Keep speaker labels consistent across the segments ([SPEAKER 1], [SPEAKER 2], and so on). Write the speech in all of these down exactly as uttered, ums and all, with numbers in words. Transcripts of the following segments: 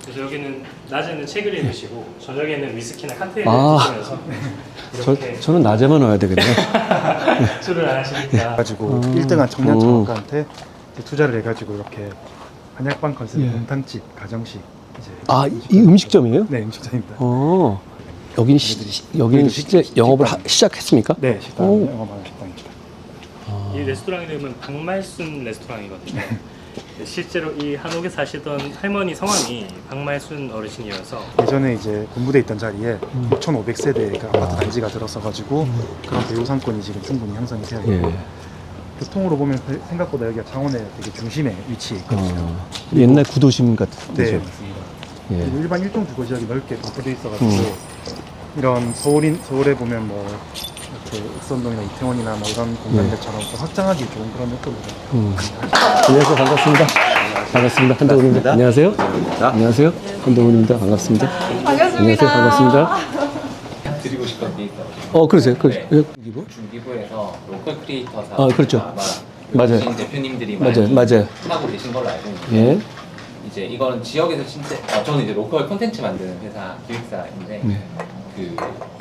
[SPEAKER 1] 그래서 여기는 낮에는 책을 읽으시고 저녁에는 위스키나 칵테일을
[SPEAKER 2] 아.
[SPEAKER 1] 드시면서
[SPEAKER 2] 저,
[SPEAKER 1] 이렇게
[SPEAKER 2] 저는 낮에만 와야 되겠네요.
[SPEAKER 1] 술을 안 하시니까
[SPEAKER 3] 가지고
[SPEAKER 2] 음.
[SPEAKER 3] 일 등한 청년
[SPEAKER 2] 음.
[SPEAKER 3] 창업가한테 이제 투자를 해가지고 이렇게 한약방 컨셉
[SPEAKER 2] 예.
[SPEAKER 3] 곰탕집 가정식 이제
[SPEAKER 2] 아, 이, 이 음식점이에요?
[SPEAKER 3] 네 음식점입니다.
[SPEAKER 2] 어. 여기는 시, 여기는 실제 영업을 하, 시작했습니까?
[SPEAKER 3] 네 식당
[SPEAKER 2] 오.
[SPEAKER 3] 영업하는 식당입니다.
[SPEAKER 1] 이 레스토랑 이름은 박말순 레스토랑이거든요. 실제로 이 한옥에 사시던 할머니 성함이 박말순 어르신이어서
[SPEAKER 3] 예전에 이제 군부대 있던 자리에
[SPEAKER 2] 음.
[SPEAKER 3] 육천오백 세대가 아파트 단지가 들어서가지고 그런 배우 상권이 지금 충분히 형성이 되어 있고
[SPEAKER 2] 예.
[SPEAKER 3] 교통으로 보면 생각보다 여기가 창원의 되게 중심에 위치해 있거든요.
[SPEAKER 2] 어, 옛날 구도심 같은
[SPEAKER 3] 네
[SPEAKER 2] 데죠.
[SPEAKER 3] 맞습니다.
[SPEAKER 2] 예.
[SPEAKER 3] 그리고 일반 일동 주거 지역이 넓게 분포돼 있어가지고
[SPEAKER 2] 음.
[SPEAKER 3] 이런 서울인 서울에 보면 뭐 이렇게 익선동이나 이태원이나 뭐 이런 공간들처럼 또 확장하기 좋은 그런 요소를
[SPEAKER 2] 음. 안녕하세요. 반갑습니다. 반갑습니다. 한동훈입니다. 안녕하세요. 안녕하세요. 한동훈입니다. 반갑습니다.
[SPEAKER 4] 반갑습니다.
[SPEAKER 2] 안녕하세요. 반갑습니다.
[SPEAKER 5] 드리고 싶은 게 있어요.
[SPEAKER 2] 어, 그러세요. 그,
[SPEAKER 5] 네.
[SPEAKER 2] 예.
[SPEAKER 5] 중기부에서 로컬 크리에이터 사업
[SPEAKER 2] 아, 그렇죠.
[SPEAKER 5] 아마
[SPEAKER 2] 맞아요.
[SPEAKER 5] 계신 대표님들이
[SPEAKER 2] 맞아요.
[SPEAKER 5] 많이
[SPEAKER 2] 맞아요.
[SPEAKER 5] 하고 계신 걸로 알고 있는데
[SPEAKER 2] 예.
[SPEAKER 5] 이제 이거는 지역에서 진짜 어, 저는 이제 로컬 콘텐츠 만드는 회사 기획사인데
[SPEAKER 2] 네.
[SPEAKER 5] 그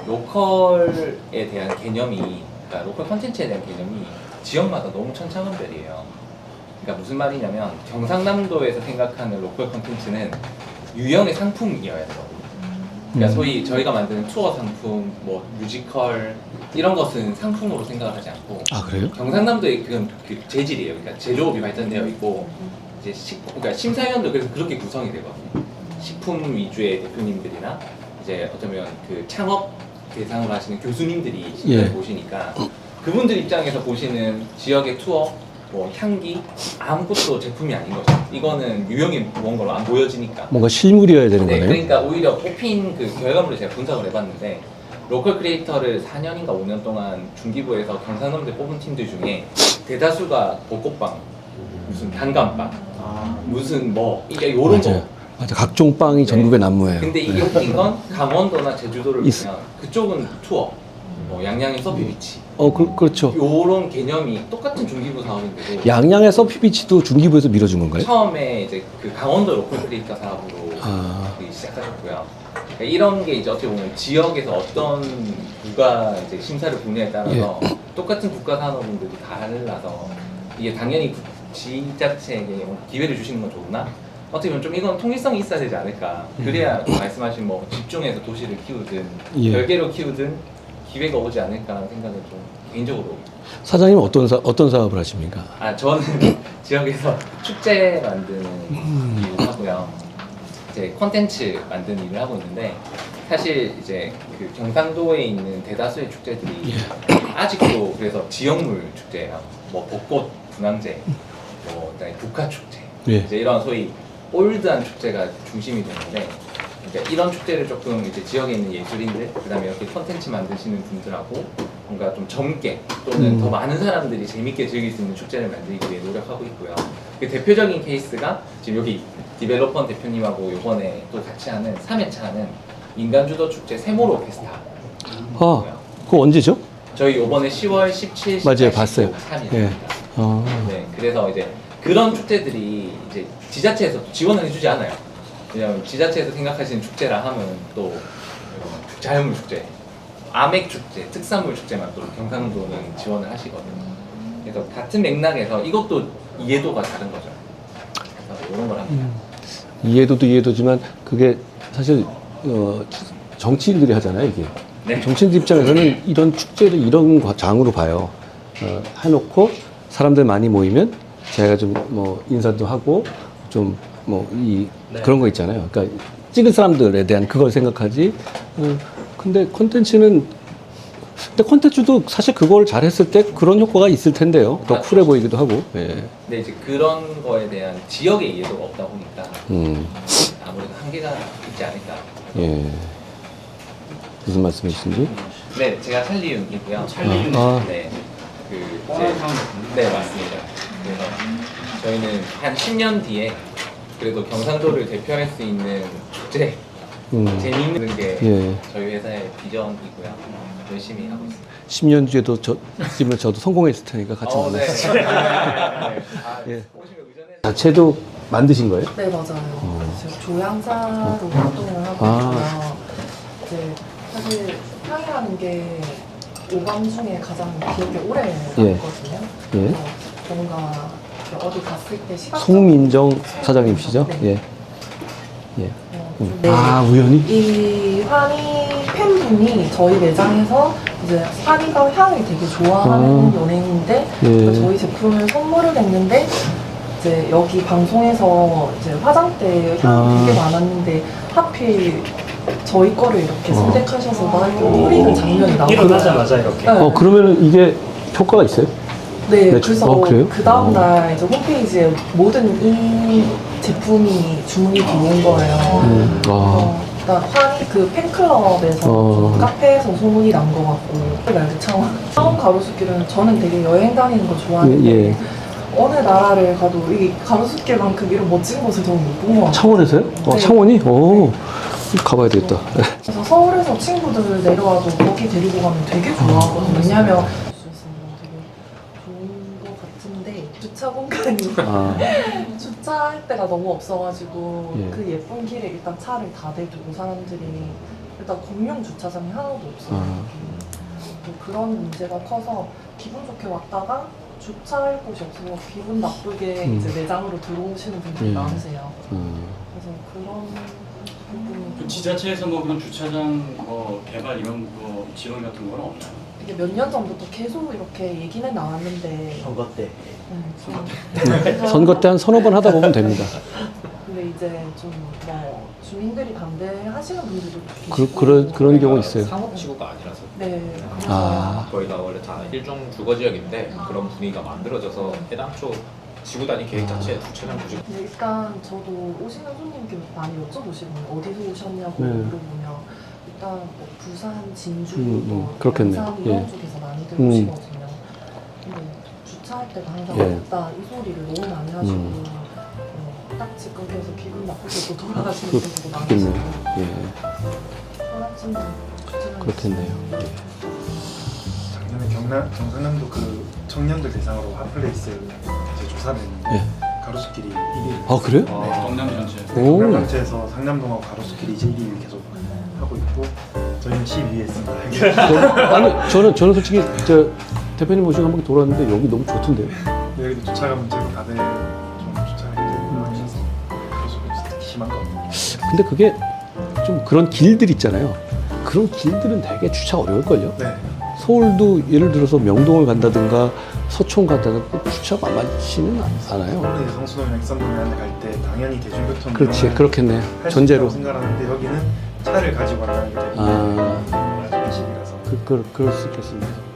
[SPEAKER 5] 로컬에 대한 개념이 그러니까 로컬 콘텐츠에 대한 개념이 지역마다 너무 천차만별이에요. 그러니까 무슨 말이냐면 경상남도에서 생각하는 로컬 콘텐츠는 유형의 상품이어야 돼요. 그러니까
[SPEAKER 2] 음.
[SPEAKER 5] 소위 저희가 만드는 투어 상품, 뭐 뮤지컬 이런 것은 상품으로 생각을 하지 않고
[SPEAKER 2] 아, 그래요?
[SPEAKER 5] 경상남도의 그건 그 재질이에요. 그러니까 제조업이 발전되어 있고 이제 식, 그러니까 심사위원도 그래서 그렇게 구성이 되거든요. 식품 위주의 대표님들이나 이제 어쩌면 그 창업 대상으로 하시는 교수님들이 심사를
[SPEAKER 2] 예.
[SPEAKER 5] 보시니까 그분들 입장에서 보시는 지역의 투어, 뭐 향기 아무것도 제품이 아닌 거죠. 이거는 유형이 뭔가로 안 보여지니까.
[SPEAKER 2] 뭔가 실물이어야 되는
[SPEAKER 5] 네,
[SPEAKER 2] 거네요.
[SPEAKER 5] 그러니까 오히려 뽑힌 그 결과물을 제가 분석을 해봤는데 로컬 크리에이터를 사 년인가 오 년 동안 중기부에서 경상남도에 뽑은 팀들 중에 대다수가 벚꽃빵, 무슨 단감빵, 무슨 뭐 이게 요런
[SPEAKER 2] 맞아요.
[SPEAKER 5] 거.
[SPEAKER 2] 맞아. 각종 빵이 전국에 난무해요.
[SPEAKER 5] 근데 이게
[SPEAKER 2] 네.
[SPEAKER 5] 웃긴 건 강원도나 제주도를
[SPEAKER 2] 있-
[SPEAKER 5] 보면 그쪽은 투어, 뭐 양양의 서피비치
[SPEAKER 2] 어, 그, 그렇죠.
[SPEAKER 5] 요런 개념이 똑같은 중기부 사업인데도
[SPEAKER 2] 양양의 서피비치도 중기부에서 밀어준 건가요?
[SPEAKER 5] 처음에 이제 그 강원도 로컬 크리에이터 사업으로
[SPEAKER 2] 아.
[SPEAKER 5] 그 시작하셨고요. 그러니까 이런 게 이제 어떻게 보면 지역에서 어떤 국가 이제 심사를 보냐에 따라서
[SPEAKER 2] 예.
[SPEAKER 5] 똑같은 국가 산업인데도 달라서 이게 당연히 구- 지자체에게 뭐 기회를 주시는 건 좋으나 어떻게 보면 좀 이건 통일성이 있어야 되지 않을까. 그래야 말씀하신 뭐 집중해서 도시를 키우든
[SPEAKER 2] 예.
[SPEAKER 5] 별개로 키우든 기회가 오지 않을까라는 생각을 좀 개인적으로.
[SPEAKER 2] 사장님은 어떤 사, 어떤 사업을 하십니까?
[SPEAKER 5] 아 저는 지역에서 축제 만드는 일을 하고요. 이제 콘텐츠 만드는 일을 하고 있는데 사실 이제 그 경상도에 있는 대다수의 축제들이 아직도 그래서 지역물 축제예요. 뭐 벚꽃 분황제, 뭐 그다음에 국화 축제,
[SPEAKER 2] 예.
[SPEAKER 5] 이제 이런 소위 올드한 축제가 중심이 되는데. 그러니까 이런 축제를 조금 이제 지역에 있는 예술인들, 그다음에 이렇게 콘텐츠 만드시는 분들하고 뭔가 좀 젊게 또는
[SPEAKER 2] 음.
[SPEAKER 5] 더 많은 사람들이 재밌게 즐길 수 있는 축제를 만들기 위해 노력하고 있고요. 그 대표적인 케이스가 지금 여기 디벨로퍼 대표님하고 이번에 또 같이 하는 삼 회차 하는 인간주도 축제 세모로 페스타.
[SPEAKER 2] 아, 그거 언제죠?
[SPEAKER 5] 저희 이번에 시월 십칠,
[SPEAKER 2] 맞아요, 봤어요.
[SPEAKER 5] 삼 일.
[SPEAKER 2] 예. 아.
[SPEAKER 5] 네, 그래서 이제 그런 축제들이 이제 지자체에서 지원을 해주지 않아요. 왜냐면 지자체에서 생각하시는 축제라 하면 또 자연물 축제, 아맥 축제, 특산물 축제만 또 경상도는 지원을 하시거든요. 그래서 같은 맥락에서 이것도 이해도가 다른 거죠. 그래서 이런 걸 합니다.
[SPEAKER 2] 이해도도 이해도지만 그게 사실 어, 정치인들이 하잖아요, 이게.
[SPEAKER 5] 네.
[SPEAKER 2] 정치인들 입장에서는 이런 축제를 이런 과- 장으로 봐요. 어, 해놓고 사람들 많이 모이면 제가 좀 뭐 인사도 하고 좀 뭐 이
[SPEAKER 1] 네.
[SPEAKER 2] 그런 거 있잖아요. 그러니까 찍을 사람들에 대한 그걸 생각하지. 어, 근데 콘텐츠는 근데 콘텐츠도 사실 그걸 잘했을 때 그런 효과가 있을 텐데요. 더 쿨해 보이기도 하고. 예.
[SPEAKER 5] 근데 이제 그런 거에 대한 지역의 이해도가 없다 보니까
[SPEAKER 2] 음.
[SPEAKER 5] 아무래도 한계가 있지 않을까.
[SPEAKER 2] 예. 무슨 말씀이신지?
[SPEAKER 5] 네, 제가 찰리윤이고요.
[SPEAKER 2] 찰리윤. 아.
[SPEAKER 5] 네, 그 이제 네 맞습니다. 그래서 저희는 한 십 년 뒤에 그래도 경상도를 대표할 수 있는 축제,
[SPEAKER 2] 음.
[SPEAKER 5] 재미있는 게
[SPEAKER 2] 예.
[SPEAKER 5] 저희 회사의 비전이고요. 열심히 하고 있습니다.
[SPEAKER 2] 십 년 뒤에도 저, 지금 저도 성공했을 테니까 같이
[SPEAKER 5] 어, 네.
[SPEAKER 2] 만나서.
[SPEAKER 5] 네. 아,
[SPEAKER 2] 예.
[SPEAKER 5] 오시면 의전해.
[SPEAKER 2] 자체도 만드신 거예요?
[SPEAKER 4] 네, 맞아요.
[SPEAKER 2] 어.
[SPEAKER 4] 지금 조향사로 활동을 하고
[SPEAKER 2] 아.
[SPEAKER 4] 있고요. 이제 사실 향이라는 게 오감 중에 가장 기억에 오래
[SPEAKER 2] 예.
[SPEAKER 4] 남거든요.
[SPEAKER 2] 예.
[SPEAKER 4] 그래서 뭔가 어디 갔을 때 시각
[SPEAKER 2] 송민정 사장님이시죠?
[SPEAKER 4] 네.
[SPEAKER 2] 예. 예.
[SPEAKER 4] 어,
[SPEAKER 2] 음.
[SPEAKER 4] 네.
[SPEAKER 2] 아, 우연히?
[SPEAKER 4] 이 환희 팬분이 저희 매장에서 이제 환희가 향을 되게 좋아하는
[SPEAKER 2] 아.
[SPEAKER 4] 연예인인데
[SPEAKER 2] 예.
[SPEAKER 4] 저희 제품을 선물을 했는데 이제 여기 방송에서 이제 화장대 향
[SPEAKER 2] 아.
[SPEAKER 4] 되게 많았는데 하필 저희 거를 이렇게
[SPEAKER 2] 어.
[SPEAKER 4] 선택하셔서 막 이렇게 뿌리는 장면이 나오고
[SPEAKER 1] 일어나자마자 이렇게.
[SPEAKER 4] 네.
[SPEAKER 2] 어, 그러면은 이게 효과가 있어요?
[SPEAKER 4] 네,
[SPEAKER 2] 네,
[SPEAKER 4] 그래서
[SPEAKER 2] 어, 그래요?
[SPEAKER 4] 그 다음날 이제 홈페이지에 모든 이 제품이 주문이 들어온 거예요.
[SPEAKER 2] 음. 아.
[SPEAKER 4] 어, 그러니까 환희 그 팬클럽에서
[SPEAKER 2] 어.
[SPEAKER 4] 좀 카페에서 소문이 난 것 같고 그 창원 창원 가로수길은 저는 되게 여행 다니는 거 좋아하는데
[SPEAKER 2] 예, 예.
[SPEAKER 4] 어느 나라를 가도 이 가로수길만큼 이런 멋진 곳을 저는 못 본 것 같아요.
[SPEAKER 2] 창원에서요? 어,
[SPEAKER 4] 네.
[SPEAKER 2] 창원이? 오. 가봐야 되겠다.
[SPEAKER 4] 그래서 서울에서 친구들 내려와도 거기 데리고 가면 되게 좋아하거든요. 왜냐면 되게 좋은 것 같은데 주차 공간이
[SPEAKER 2] 아.
[SPEAKER 4] 주차할 데가 너무 없어가지고
[SPEAKER 2] 예.
[SPEAKER 4] 그 예쁜 길에 일단 차를 다 대두고 사람들이 일단 공용 주차장이 하나도 없어요.
[SPEAKER 2] 아.
[SPEAKER 4] 또 그런 문제가 커서 기분 좋게 왔다가 주차할 곳이 없어서 기분 나쁘게
[SPEAKER 2] 음.
[SPEAKER 4] 이제 매장으로 들어오시는 분들이
[SPEAKER 2] 음.
[SPEAKER 4] 많으세요.
[SPEAKER 2] 음.
[SPEAKER 4] 그래서 그런 부분이
[SPEAKER 6] 그 지자체에서 뭐 그런 주차장 뭐 개발 이런 거 지원 같은 건 없나요?
[SPEAKER 4] 이게 몇 년 전부터 계속 이렇게 얘기는 나왔는데
[SPEAKER 1] 선거 때.
[SPEAKER 4] 음, 좀
[SPEAKER 2] 선거 때 한 서너 번 하다 보면 됩니다.
[SPEAKER 4] 근데 이제 좀 뭐 주민들이 반대하시는 분들도
[SPEAKER 2] 그,
[SPEAKER 4] 계시고
[SPEAKER 2] 그런, 그런 경우 있어요.
[SPEAKER 5] 상업지구가 아니라서
[SPEAKER 4] 네 그래서
[SPEAKER 2] 아.
[SPEAKER 5] 저희가 원래 다 일종 주거 지역인데 그런 분위기가 만들어져서 애당초 지구 단위 계획 자체에 주차장 구직
[SPEAKER 4] 근데 일단 저도 오시는 손님께 많이 여쭤보시거든요. 어디서 오셨냐고
[SPEAKER 2] 네.
[SPEAKER 4] 물어보면 일단 뭐 부산, 진주,
[SPEAKER 2] 음, 음,
[SPEAKER 4] 뭐
[SPEAKER 2] 그렇겠네요.
[SPEAKER 4] 양산 이런
[SPEAKER 2] 예.
[SPEAKER 4] 쪽에서 많이들
[SPEAKER 2] 음.
[SPEAKER 4] 오시거든요. 근데 주차할 때가 항상
[SPEAKER 2] 예.
[SPEAKER 4] 없다 이 소리를 너무 많이 하시고
[SPEAKER 2] 음.
[SPEAKER 4] 어, 딱 직급해서 기분 나쁘게 또 돌아가시는
[SPEAKER 2] 그-
[SPEAKER 4] 분들도
[SPEAKER 2] 그렇겠네요.
[SPEAKER 4] 많으시고
[SPEAKER 2] 예.
[SPEAKER 4] 사람쯤은 주차장
[SPEAKER 2] 그렇겠네요. 예.
[SPEAKER 3] 작년에 경남 경상남도 그 청년들 대상으로 핫플레이스 이제 조사를 했는데
[SPEAKER 2] 예.
[SPEAKER 3] 가로수길이 일 위.
[SPEAKER 2] 아, 그래요?
[SPEAKER 3] 네.
[SPEAKER 6] 경남 전체.
[SPEAKER 2] 오.
[SPEAKER 3] 경남 전체에서 상남동하고 가로수길이 이제 일 위를 계속 하고 있고 저희는 십이 위에 있습니다.
[SPEAKER 2] 저, 아니, 저는, 저는 솔직히 저 대표님 모시고 한 바퀴 돌았는데 여기 너무 좋던데요.
[SPEAKER 3] 여기도 주차가 문제고 다들 좀 주차가 힘들어하셔서 가로수길 특히 심한 것 같아요.
[SPEAKER 2] 근데 그게 좀 그런 길들 있잖아요. 그런 길들은 되게 주차 어려울걸요?
[SPEAKER 3] 네.
[SPEAKER 2] 서울도 예를 들어서 명동을 간다든가 서촌 간다든가 주차가 만만치는 않아요.
[SPEAKER 3] 서울에 성수동이나 익선동이나 갈 때 당연히 대중교통
[SPEAKER 2] 그렇지,
[SPEAKER 3] 이용을
[SPEAKER 2] 그렇겠네.
[SPEAKER 3] 할수
[SPEAKER 2] 전제로.
[SPEAKER 3] 있다고 생각하는데 여기는 차를 가지고 간다는 게 되게
[SPEAKER 2] 아.
[SPEAKER 3] 많은 식이라서
[SPEAKER 2] 그, 그, 그럴 수 있겠습니다.